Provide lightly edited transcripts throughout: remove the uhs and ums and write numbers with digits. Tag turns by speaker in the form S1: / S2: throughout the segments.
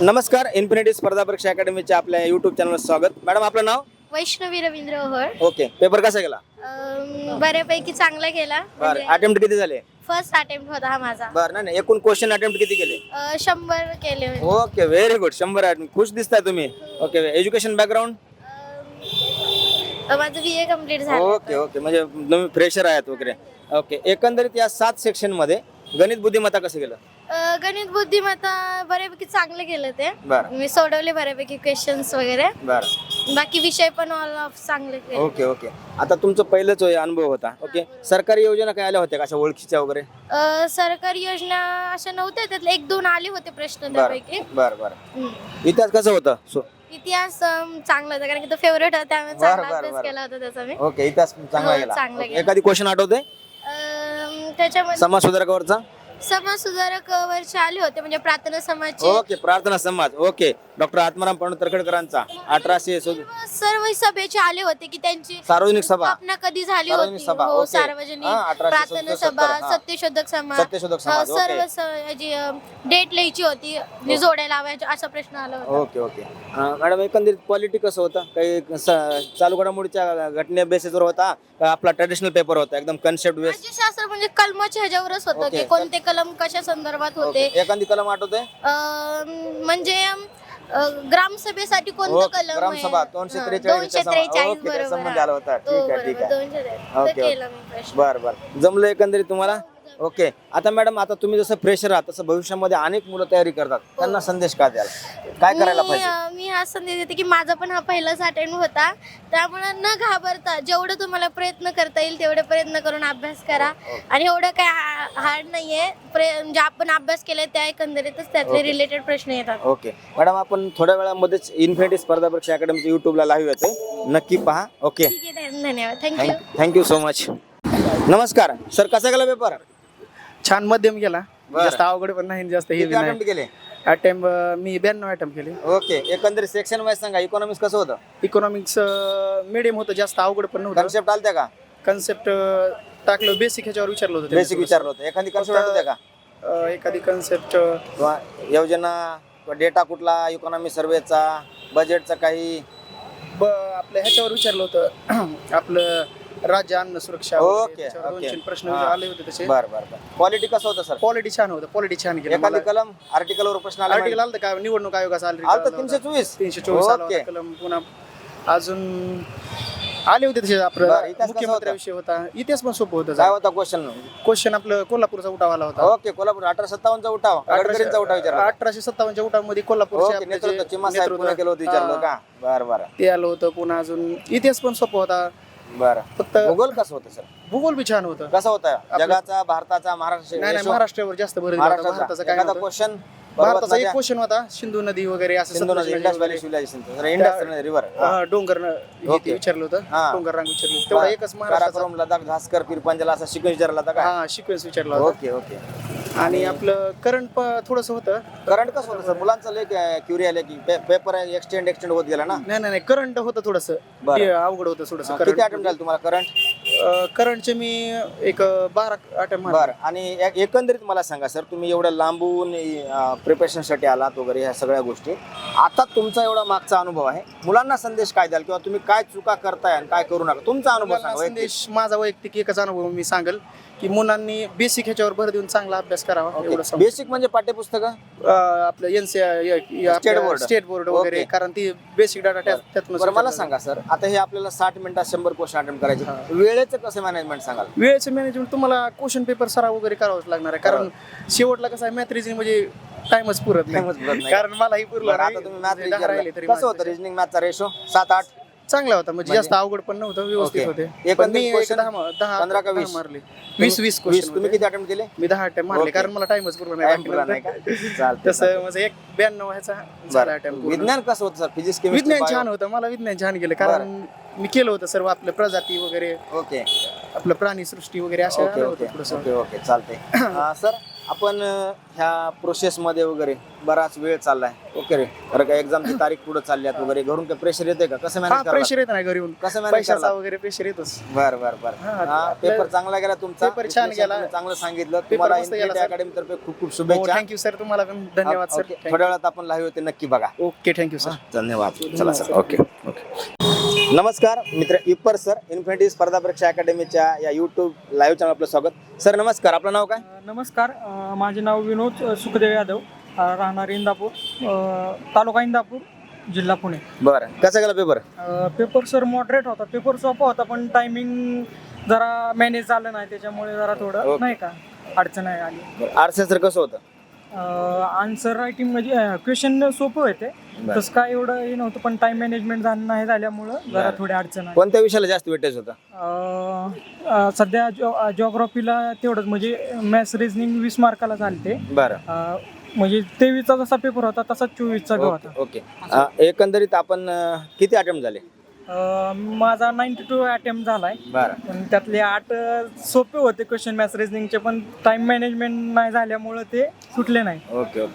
S1: नमस्कार, इन्फिनिटी स्पर्धा परीक्षा अकॅडमीच्या आपल्या यूट्यूब चॅनलवर स्वागत. मॅडम, आपलं नाव?
S2: वैष्णवी रवींद्र ओहळ.
S1: ओके. पेपर कसा गेला?
S2: बऱ्यापैकी चांगला गेला.
S1: बरं. अटेम्प्ट किती झाले?
S2: फर्स्ट अटेम्प्ट होता हा माझा.
S1: बरं. नाही, एकूण क्वेश्चन अटेम्प्ट किती केले?
S2: 100 केले होते.
S1: Okay, very good. 100 अटेम्प्ट. खुश दिसताय तुम्ही. ओके. Education background?
S2: माझं BA कम्प्लीट झालं.
S1: ओके ओके, म्हणजे तुम्ही फ्रेशर आहात वगैरे. ओके. एकंदरीत या 7 सेक्शन मध्ये गणित बुद्धिमत्ता कसं गेलं?
S2: गणित बुद्धिमत्ता बऱ्यापैकी चांगलं केलं ते.
S1: बरं
S2: मी सोडवले बऱ्यापैकी क्वेश्चन्स वगैरे.
S1: बरं.
S2: बाकी विषय पण ऑल ऑफ चांगले केले.
S1: Okay okay. आता तुमचं पहिलंच अनुभव होता. ओके. सरकारी योजना काय आल्या होत्या का अशा ओळखीच्या वगैरे?
S2: सरकारी योजना अशा नव्हत्या, त्यातले 1-2 आले होते प्रश्न
S1: बरं
S2: त्यापैकी.
S1: बरं बरं. इतिहास कसं होतं?
S2: इतिहास चांगला होता, कारण की तो फेवरेट होता, त्यामुळे
S1: बरं,
S2: चांगला
S1: बरं,
S2: अभ्यास
S1: बरं.
S2: केला होता त्याचा मी.
S1: ओके. इतिहास चांगला
S2: हो,
S1: गेला.
S2: चांगला
S1: ओके.
S2: गेला.
S1: एखादी क्वेश्चन आठवते
S2: त्याच्यामध्ये
S1: समाज सुधारकावरचा?
S2: समाज सुधारक वरचे आले होते, म्हणजे प्रार्थना समाजचे.
S1: Okay. Prarthana Samaj. Okay. Doctor Atmaram Pandu तरखडकरांचा 1800
S2: सर्व सभेचे आले होते की त्यांची
S1: सार्वजनिक सभा.
S2: स्थापना कधी झाली
S1: सार्वजनिक
S2: होती.
S1: सभा.
S2: हो,
S1: ओके.
S2: सार्वजनिक
S1: हा, 1870,
S2: प्रार्थना सभा,
S1: 70, हा.
S2: सत्यशोधक समाज,
S1: सत्यशोधक समाज.
S2: सर्व
S1: ओके.
S2: जी डेट लिहायची होती, जी जोड्या लावायची, असा प्रश्न आला होता.
S1: Okay okay. मॅडम, एकंदरीत क्वालिटी कसं होतं? काही चालू घडामोडीच्या घटने बेसिसवर होता का आपला ट्रेडिशनल पेपर होता एकदम कन्सेप्ट बेस?
S2: राज्यशास्त्र म्हणजे कलमाच्या ह्याच्यावरच होतं
S1: ओके.
S2: की कोणते कलम कशा संदर्भात होते.
S1: एखादी कलम आठवते?
S2: म्हणजे ग्रामसभेसाठी कोणतं
S1: ओके.
S2: कलम आहे?
S1: ग्रामसभा 243 चा
S2: 243
S1: ओके, त्या
S2: बरोबर.
S1: संबंध आला होता. ठीक आहे ठीक आहे.
S2: 243
S1: ओके,
S2: तर
S1: ओके.
S2: केलं मी प्रश्न.
S1: बरं बरं. जमलं एकंदरीत तुम्हाला? ओके. आता मॅडम, आता तुम्ही जसं फ्रेशर आहात तसं भविष्यामध्ये अनेक मुलं तयारी करतात, त्यांना संदेश काय द्याल? काय करायला पाहिजे?
S2: मी हा संदेश देते की माझा पण हा पहिलाच अटेम्प्ट होता, त्यामुळे न घाबरता जेवढं तुम्हाला प्रयत्न करता येईल तेवढे प्रयत्न करून अभ्यास करा. आणि एवढं काय हार्ड नाहीये. म्हणजे आपण अभ्यास केलाय त्या एकंदरीतच त्यातले रिलेटेड प्रश्न येतात.
S1: ओके. मॅडम, आपण थोड्या वेळामध्येच इन्फिनिटी स्पर्धा परीक्षा अकॅडमीच्या युट्यूबला लाईव्ह येते, नक्की पहा. ओके.
S2: ठीक आहे, धन्यवाद. थँक्यू.
S1: Thank you so much. नमस्कार सर, कसा गेला पेपर?
S3: छान मध्यम गेला.
S1: बरं.
S3: जास्त अवघड पण नाही, जास्त हे
S1: किती अटेम्प्ट केले?
S3: अटेम्प्ट मी 92 अटेम्प्ट केले.
S1: ओके. एकंदरीत सेक्शन वाईज सांगा. इकॉनॉमिक्स कसं होतं?
S3: इकॉनॉमिक्स मीडियम होतं, जास्त अवघड पण नव्हतं.
S1: कन्सेप्ट आलत्या का?
S3: कन्सेप्ट टाकलं, बेसिक ह्याच्यावर विचारलं होतं.
S1: बेसिक विचारलं होतं. एखादी कन्सेप्ट आठवते का?
S3: एखादी कन्सेप्ट
S1: किंवा योजना, डेटा कुठला, इकॉनॉमी सर्वेचा, बजेटचा काही?
S3: आपल्या ह्याच्यावर विचारलं होतं आपलं राज्य अन्न सुरक्षा
S1: ओके,
S3: वगैरे, त्याच्यावर
S1: ओके.
S3: 2-3 प्रश्न
S1: हा.
S3: आले होते तसे.
S1: बरं बरं बरं. क्वालिटी कसं होतं सर?
S3: क्वालिटी छान होतं, क्वालिटी छान केलं.
S1: एखादी कलम आर्टिकलवर प्रश्न आला?
S3: आर्टिकल आलं काय निवडणूक आयोगाचा
S1: आलं 324.
S3: 324 आला
S1: ओके.
S3: होता कलम. पुन्हा अजून आले होते तसे.
S1: बरं,
S3: आपलं
S1: इतिहास कसा
S3: मुख्यमंत्र्याविषयी होता. इतिहास पण सोपं होतं.
S1: काय होता क्वेश्चन?
S3: क्वेश्चन आपलं कोल्हापूरचा उठाव आला होता.
S1: ओके. कोल्हापूर 1857 चा उठाव, गडकरींचा उठाव विचारला.
S3: 1857च्या उठावामध्ये कोल्हापूरचे
S1: ओके.
S3: आपले जे
S1: नेतृत्व चिमा साहेब
S3: नेतृत्व,
S1: पुणे केलं होतं विचारलं
S3: हा,
S1: का? बरं बरं
S3: ते आलं होतं. पुन्हा अजून इतिहास पण सोपं होता.
S1: बरं.
S3: फक्त
S1: भूगोल कसं होतं सर?
S3: भूगोल बी छान होतं.
S1: कसं होतं? जगाचा, भारताचा,
S3: नाही नाही,
S1: महाराष्ट्र?
S3: महाराष्ट्रावर जास्त भर दिला होता. भारताचं
S1: महाराष्ट्राचा
S3: काय
S1: एखादा
S3: नव्हतं.
S1: क्वेश्चन?
S3: भारताचा एक क्वेश्चन होता, सिंधू नदी वगैरे असं
S1: सिंधू नदी,
S3: सतलज
S1: इंडस
S3: नदी
S1: व्हॅली
S3: वगैरे.
S1: Civilisation, Indus river.
S3: डोंगर
S1: ओके.
S3: ते विचारलं होतं.
S1: हा.
S3: डोंगर रांग विचारलं होतं. तेवढा एकच महाराष्ट्राचा.
S1: काराकोरम, लडाख, झास्कर, पीरपंजल असा शिकून विचारला होता का?
S3: हा, सिक्वेन्स विचारला होता.
S1: Okay okay.
S3: आणि आपलं करंट थोडस होतं.
S1: करंट कसं होतं सर? मुलांचं लय क्युरी आले की पेपर एक्सटेंड होत गेला ना?
S3: नाही नाही, करंट होतं थोडस.
S1: बरं.
S3: अवघड होतं थोडस.
S1: किती अटेम्प्ट झाले तुम्हाला करंट?
S3: करंटचे मी एक 12 अटेम्प्ट मारले.
S1: बरं. आणि एकंदरीत मला सांगा सर, तुम्ही एवढ्या लांबून प्रिपरेशनसाठी आलात वगैरे ह्या सगळ्या गोष्टी, आता तुमचा एवढा मागचा अनुभव आहे, मुलांना संदेश काय द्याल? किंवा तुम्ही काय चुका करताय आणि काय करू नका, तुमचा अनुभव
S3: मुलांना
S1: सांगा.
S3: संदेश माझा वैयक्तिक एकच अनुभव मी सांगेल की मुलांनी बेसिक ह्याच्यावर भर देऊन चांगला अभ्यास करावा. एवढं सांगू.
S1: बेसिक म्हणजे पाठ्यपुस्तक?
S3: आपलं स्टेट बोर्ड वगैरे,
S1: ओके.
S3: कारण ती बेसिक डाटा त्यातून.
S1: बरं, मला सांगा सर, आता हे आपल्याला 60 मिनिटात 100 क्वेश्चन अटेम्प्ट करायचे, वेळेचं कसं मॅनेजमेंट सांगाल?
S3: वेळेचं मॅनेजमेंट तुम्हाला क्वेश्चन पेपर सराव वगैरे करावंच लागणार आहे. कारण शेवटला कसं आहे, मॅथ रिजनिंग म्हणजे टाइमच पुरत
S1: Timeच पुरत
S3: नाही.
S1: नाही.
S3: कारण मलाही पुरलं
S1: बरं,
S3: नाही.
S1: आता तुम्ही मॅथ
S3: म्हणजे 10 राहिले तरी
S1: कसं होतं? रिजनिंग मॅथचा रेशो 7-8
S3: चांगला होता, म्हणजे जास्त अवघड पण नव्हतं, व्यवस्थित
S1: ओके.
S3: होते.
S1: एकंदरीत
S3: पण मी
S1: question
S3: 15
S1: का 20?
S3: मारले. 20 क्वेश्चन
S1: तुम्ही किती अटेम्प्ट केले?
S3: मी 10 अटेम्प्ट मारले,
S1: ओके.
S3: कारण मला टाइमच पुरला
S1: Time पुरला
S3: नाही.
S1: नाही का? चालतंय,
S3: तसं म्हणजे एक 92 ह्याचा झाला
S1: बरं.
S3: attempt पूर्ण.
S1: विज्ञान कसं होतं सर? फिजिक्स,
S3: विज्ञान छान होतं. मला विज्ञान छान गेलं, कारण मी केलं होतं सर्व आपलं प्रजाती वगैरे,
S1: ओके
S3: आपलं प्राणी सृष्टी वगैरे असे
S1: ओके
S3: आलं
S1: ओके
S3: होतं थोडंसं.
S1: Okay okay. चालतंय. सर, आपण ह्या प्रोसेसमध्ये वगैरे बराच वेळ चाललाय ओके रे, कारण का एक्झामची तारीख पुढे चालली आहे वगैरे, घरून काही प्रेशर येते का, कसं
S3: हा
S1: मॅनेज
S3: प्रेशर येत नाही घरी येऊन,
S1: कसं मॅनेज
S3: पैशाचा
S1: करला?
S3: वगैरे प्रेशर येतच.
S1: बर बर बर.
S3: हा,
S1: हा,
S3: आपलं
S1: पेपर चांगला गेला तुमचा,
S3: पेपर छान
S1: विश्लेषण
S3: गेला.
S1: तुम्ही चांगलं सांगितलं.
S3: पेपर
S1: तुम्हाला
S3: मस्त गेला,
S1: इन्फिनिटी
S3: सर.
S1: अकॅडमी तर्फे खूप खूप
S3: हो
S1: शुभेच्छा.
S3: थँक्यू सर, तुम्हाला पण धन्यवाद सर.
S1: ओके, थोड्या वेळात आपण लाईव्ह होते, नक्की बघा.
S3: Okay thank you sir.
S1: धन्यवाद. चला सर. Okay okay. नमस्कार मित्र, इप्पर सर, इन्फिनिटी स्पर्धा परीक्षा अकॅडमीच्या या यूट्यूब लाईव्ह चॅनल आपलं स्वागत. सर नमस्कार, आपलं नाव काय?
S4: नमस्कार, माझे नाव विनोद सुखदेव यादव, राहणार इंदापूर, तालुका इंदापूर, जिल्हा पुणे.
S1: बरं, कसा गेला पेपर?
S4: पेपर सर मॉडरेट होता, पेपर सोपा होता, पण टायमिंग जरा मॅनेज झालं नाही, त्याच्यामुळे जरा थोडं
S1: ओके.
S4: नाही का अडचण आहे आली.
S1: आरसे सर कसं होतं?
S4: आन्सर रायटिंग म्हणजे क्वेश्चन सोपं होते,
S1: बरं.
S4: तसं काय एवढं हे नव्हतं, पण टाइम मॅनेजमेंट झालं नाही झाल्यामुळं जरा
S1: बरं.
S4: थोडी अडचण आहे.
S1: कोणत्या विषयाला जास्त वेटेज होता?
S4: सध्या जिओग्राफीला तेवढंच, म्हणजे मॅथ्स रिजनिंग 20 मार्काला चालते.
S1: बरं.
S4: म्हणजे 23चा जसा पेपर होता तसा 24चा होता.
S1: ओके. एकंदरीत आपण किती अटेम्प्ट झाले?
S4: माझा 92 अटेम्प्ट झालाय,
S1: बरं.
S4: पण त्यातले 8 सोपे होते क्वेश्चन मॅथ्स रिजनिंगचे, पण टाइम मॅनेजमेंट नाही झाल्यामुळे ते सुटले नाही.
S1: Okay okay.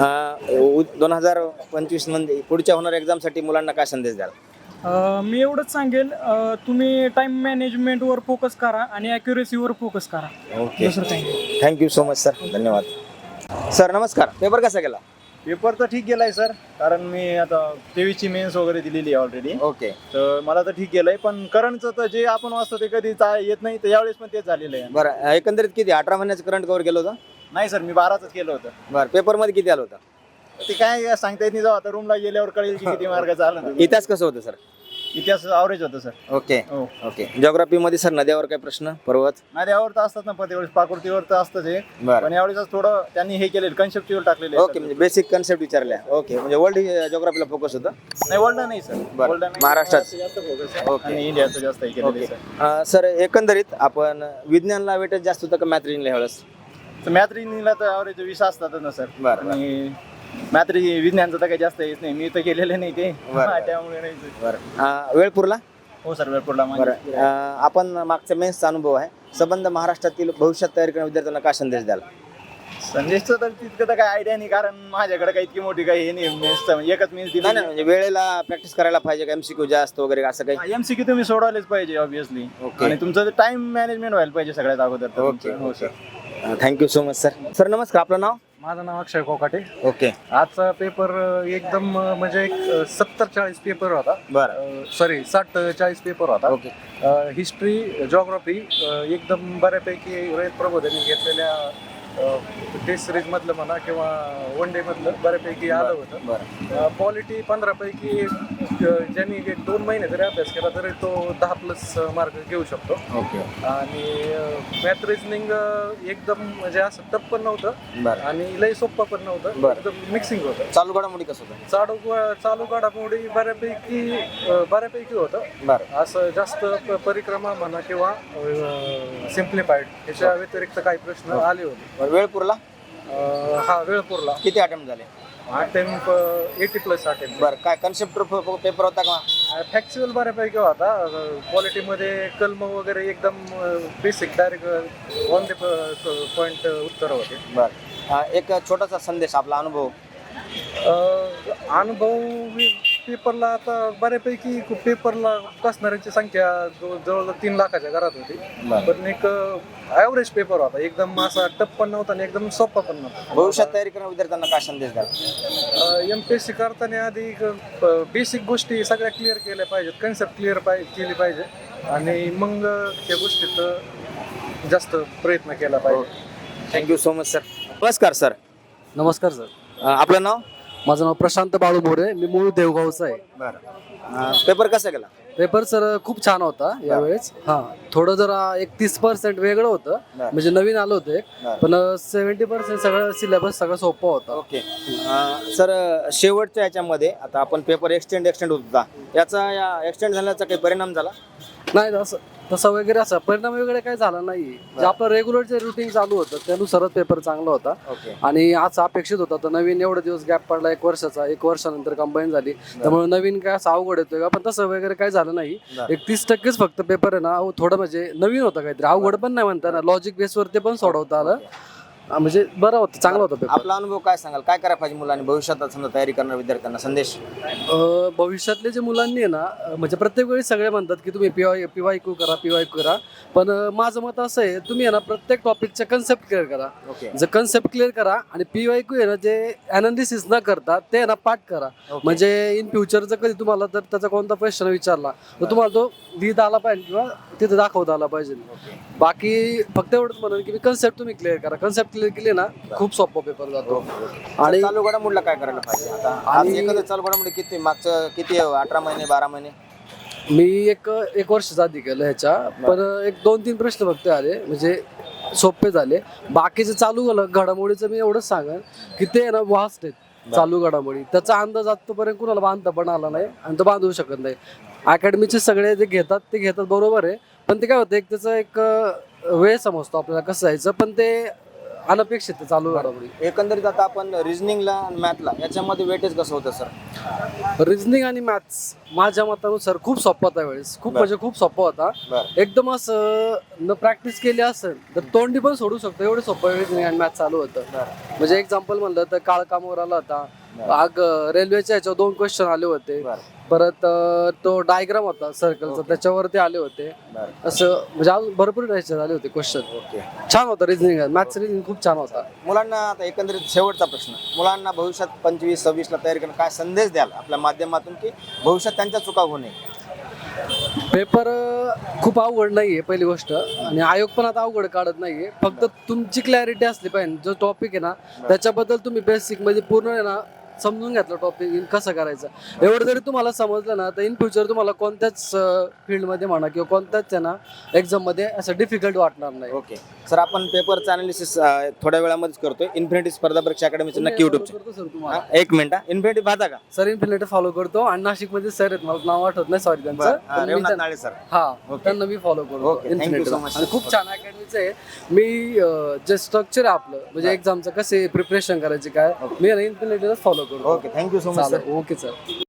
S1: 2025 मध्ये पुढच्या होणाऱ्या एक्झामसाठी मुलांना काय संदेश द्याल?
S4: मी एवढंच सांगेल, तुम्ही टाइम मॅनेजमेंटवर फोकस करा आणि ॲक्युरेसीवर फोकस करा.
S1: ओके,
S4: दुसरं काही नाही.
S1: थँक्यू सो मच सर, धन्यवाद. सर नमस्कार, पेपर कसा गेला?
S5: पेपर तर ठीक गेलाय सर, कारण मी आता 23ची मेन्स वगैरे दिलेली आहे ऑलरेडी.
S1: ओके.
S5: तर मला तर ठीक गेलंय, पण करंटचं तर जे आपण वाचतो ते कधी येत नाही, तर यावेळेस पण तेच झालेलं आहे.
S1: बरं, एकंदरीत किती 18 महिन्याचं करंट कव्हर केलं होतं?
S5: नाही सर, मी 12च केलं होतं.
S1: बरं, पेपरमध्ये किती आलं होतं?
S5: ते काय सांगता येत नाही, जाऊ आता रूमला गेल्यावर कळेल की किती मार्गाचं आलं ते.
S1: इतिहास कसं होतं सर?
S5: इतिहास ॲव्हरेज होतं सर.
S1: ओके
S5: हो,
S1: ओके. जिओग्राफीमध्ये सर नद्यावर काय प्रश्न, पर्वत?
S5: नद्यावर तर असतात ना, प्रत्येक पाकृतीवर तर असतंच हे,
S1: बरं.
S5: पण यावेळेस थोडं त्यांनी हे केलेलं कन्सेप्टवर टाकलेले.
S1: ओके, म्हणजे बेसिक कन्सेप्ट विचारल्या. ओके, म्हणजे वर्ल्ड जिओग्राफीला फोकस होतं?
S5: नाही, वर्ल्ड नाही सर,
S1: बरं.
S5: वर्ल्ड नाही,
S1: महाराष्ट्रात?
S5: जास्त फोकस आहे
S1: ओके.
S5: आणि इंडियाचं जास्त हे केलेलं आहे सर.
S1: सर एकंदरीत आपण विज्ञानला वेटेज जास्त होतं का मॅथ रिजनिंगला ह्यावेळेस?
S5: तर मॅथ रिजनिंगला तर ॲव्हरेज 20 असतातच ना सर.
S1: बरं.
S5: आणि मॅथ विज्ञानचं तर काही जास्त येत नाही, मी तर केलेलं नाही ते.
S1: बरं.
S5: त्यामुळे नाही sir.
S1: बरं. वेळ पुरला?
S5: हो सर, वेळपूरला
S1: बरं. आपण मागच्या मेन्सचा अनुभव आहे, संबंध महाराष्ट्रातील भविष्यात तयारी करणाऱ्या विद्यार्थ्यांना काय संदेश द्याल?
S5: संदेशचं तर तितकं तर काही आयडिया नाही, कारण माझ्याकडे काही इतकी मोठी काही हे नाही मेन्सचं, म्हणजे एकच मेन्स दिली.
S1: नाही म्हणजे वेळेला प्रॅक्टिस करायला पाहिजे का, एमसीक्यू जास्त वगैरे असं काही?
S5: एमसीक्यू तुम्ही सोडवायलाच पाहिजे ऑब्विसली,
S1: ओके.
S5: आणि तुमचं टाइम मॅनेजमेंट व्हायला पाहिजे सगळ्यात अगोदर तर
S1: ओके.
S5: तुमचं. हो sir.
S1: Thank you so much sir. Sir नमस्कार, आपलं नाव?
S6: माझं नाव अक्षय कोकाटे.
S1: ओके.
S6: आजचा पेपर एकदम म्हणजे 70-40 पेपर होता,
S1: बरं.
S6: सॉरी 60-40 पेपर होता.
S1: ओके.
S6: हिस्ट्री, जिओग्राफी एकदम बऱ्यापैकी रोहित प्रबोधनी घेतलेल्या टेस्ट सिरीज मधलं म्हणा किंवा वन डे मधलं बऱ्यापैकी आलं होतं.
S1: बरं.
S6: पॉलिटी 15 पैकी ज्यांनी 1-2 महिने जरी अभ्यास केला तरी तो 10+ मार्क घेऊ शकतो.
S1: ओके.
S6: आणि मॅथ रिजनिंग एकदम म्हणजे असं टफ पण नव्हतं
S1: बरं.
S6: आणि लई सोप्पं पण नव्हतं,
S1: बरं.
S6: एकदम मिक्सिंग होतं.
S1: चालू घडामोडी कसं होतं?
S6: चालू घडामोडी बऱ्यापैकी होतं.
S1: बरं.
S6: असं जास्त परिक्रमा म्हणा किंवा सिम्प्लिफाईड ह्याच्या व्यतिरिक्त काही प्रश्न आले होते.
S1: वेळ पुरला?
S6: हा, वेळ पुरला.
S1: किती अटेम्प्ट झाले?
S6: Attempt 80+ attempt.
S1: बरं, काय कन्सेप्ट पेपर होता का?
S6: फॅक्च्युअल बऱ्यापैकी होता. क्वालिटीमध्ये कलम वगैरे एकदम basic direct on the point उत्तर होते.
S1: बरं. एक छोटासा संदेश, आपला अनुभव.
S6: अनुभव पेपरला आता बऱ्यापैकी पेपरला बसणाऱ्यांची संख्या जवळ 3 लाखाच्या घरात होती, पण एक ॲव्हरेज पेपर होता, एकदम असा टफ पण नव्हता आणि एकदम सोपा पण नव्हता.
S1: भविष्यात तयारी करणाऱ्या विद्यार्थ्यांना काय संदेश द्याल?
S6: MPSC करताना आधी बेसिक गोष्टी सगळ्या क्लिअर केल्या पाहिजेत, कन्सेप्ट क्लिअर केली पाहिजे आणि मग त्या गोष्टीत जास्त प्रयत्न केला पाहिजे.
S1: Thank you so much sir. नमस्कार सर.
S7: नमस्कार सर.
S1: आपलं नाव?
S7: माझं नाव प्रशांत बाळू मोरे, मी मूळ देवगावचा आहे.
S1: बरं. पेपर कसा गेला?
S7: पेपर सर खूप छान होता यावेळेस. हा, थोडं जरा 30% वेगळं होतं, म्हणजे नवीन आलं होतं एक, पण 70% सगळं सिलेबस सगळं सोपं होता.
S1: ओके. सर शेवटच्या याच्यामध्ये आता आपण पेपर एक्सटेंड होत होता, याचा या एक्सटेंड झाल्याचा काही परिणाम झाला?
S7: नाही, तसं वगैरे असं परिणाम वगैरे काही झाला नाही. जे आपलं रेग्युलर जे रुटीन चालू होतं त्यानुसारच पेपर चांगला होता.
S1: ओके.
S7: आणि आज अपेक्षित होता, तर नवीन एवढे दिवस गॅप पडला 1 वर्षाचा, 1 वर्षानंतर कंबाईन झाली, त्यामुळे नवीन काय असं अवघड येतोय का, पण तसं वगैरे काही झालं नाही. 30% फक्त पेपर आहे ना थोडं म्हणजे नवीन होतं, काहीतरी अवघड पण नाही म्हणता ना, लॉजिक बेसवरती पण सोडवता आलं म्हणजे बरं होतं, चांगलं होतं पेपर.
S1: आपला अनुभव काय सांगाल, काय करायला पाहिजे मुलांनी भविष्यात समजा तयारी करणाऱ्या विद्यार्थ्यांना संदेश?
S7: भविष्यातले जे मुलांनी आहे ना, म्हणजे प्रत्येक वेळी सगळे म्हणतात की तुम्ही PYQ करा, पण माझं मत असं आहे, तुम्ही आहे ना प्रत्येक टॉपिकच्या कन्सेप्ट क्लिअर करा.
S1: ओके.
S7: जर कन्सेप्ट क्लिअर करा आणि PYQ आहे ना जे अनालिसिस न करता ते आहे ना पाठ करा. म्हणजे इन फ्युचर जर कधी तुम्हाला जर त्याचा कोणता प्रश्न विचारला तर तुम्हाला तो लिहिता आला पाहिजे किंवा तिथे दाखवता आला पाहिजे. बाकी फक्त एवढंच म्हणून की कन्सेप्ट तुम्ही क्लिअर करा. कन्सेप्ट क्लिअर केली ना खूप सोपा पेपर जातो.
S1: आणि चालू घडामोडीला काय करायला पाहिजे आता? आज एखादं चालू घडामोडी किती मागचं किती 18 महिने 12 महिने?
S7: मी एक वर्ष आधी केलं ह्याच्या, पण एक 2-3 प्रश्न फक्त आले म्हणजे सोपे झाले. बाकीचे चालू घडामोडीचं मी एवढंच सांगेन की ते ना वास्ट आहेत चालू घडामोडी. त्याचा अंदाज आतापर्यंत कुणाला बांधता पण आला नाही आणि तो बांधू शकत नाही. अकॅडमीचे सगळे जे घेतात बरोबर आहे, पण ते काय होतं एक त्याचा एक वेळ समजतो आपल्याला कसं जायचं, पण ते अनपेक्षित आहे चालू घडामोडी.
S1: एकंदरीत आता आपण रिझनिंगला आणि मॅथला याच्यामध्ये वेटेज कसं होतं सर?
S7: रिझनिंग आणि मॅथ्स माझ्या मतानुसार खूप सोपा होता वेळेस, खूप म्हणजे खूप सोपा होता. एकदम असं न प्रॅक्टिस केली असेल तर तोंडी पण सोडू शकतो, एवढं सोपं रिझनिंग आणि मॅथ्स चालू होतं. म्हणजे एक्झाम्पल म्हणलं तर काळकामवर आला होता, रेल्वेच्या ह्याच्यावर 2 क्वेश्चन आले होते, परत तो डायग्राम होता सर्कलचा त्याच्यावरती आले होते. असं म्हणजे अजून भरपूर ह्याच्यात आले होते क्वेश्चन. छान होतं रिझनिंग, मॅथ्स रिझनिंग खूप छान होता.
S1: मुलांना आता एकंदरीत शेवटचा प्रश्न, मुलांना भविष्यात 25-26ला तयारी करणं काय संदेश द्याल आपल्या माध्यमातून की भविष्यात त्यांच्या चुका होऊ नये?
S7: पेपर खूप अवघड नाहीये पहिली गोष्ट, आणि आयोग पण आता अवघड काढत नाहीये. फक्त तुमची क्लॅरिटी असली पाहिजे. जो टॉपिक आहे ना त्याच्याबद्दल तुम्ही बेसिक म्हणजे पूर्ण आहे ना समजून घेतलं टॉपिक कसं करायचं. एवढं जरी तुम्हाला समजलं ना तर इन फ्युचर तुम्हाला कोणत्याच फील्डमध्ये म्हणा किंवा कोणत्याच आहे ना एक्झाममध्ये असं डिफिकल्ट वाटणार नाही.
S1: ओके सर, आपण पेपरचं अनालिसिस थोड्या वेळामध्येच करतोय. इन्फिनिटी स्पर्धा परीक्षा अकॅडमीचं नक्की युट्यूब.
S7: सर तुम्हाला
S1: एक मिनिट, इन्फिनिटी पाहता का?
S7: सर इन्फिनिटी फॉलो करतो आणि नाशिकमध्ये सर आहेत, मला नाव आठवत नाही सॉरी त्यांचं, पण मी
S1: रेवनाथ नाळे सर.
S7: हा त्यांना मी फॉलो करतो
S1: Okay, thank you so much.
S7: आणि खूप छान अकॅडमीचं आहे. मी जे स्ट्रक्चर आहे आपलं म्हणजे एक्झामचं कसे प्रिपरेशन करायचे काय मी इन्फिनिटीला फॉलो करतो.
S1: Okay, thank you so much sir.
S7: Okay sir.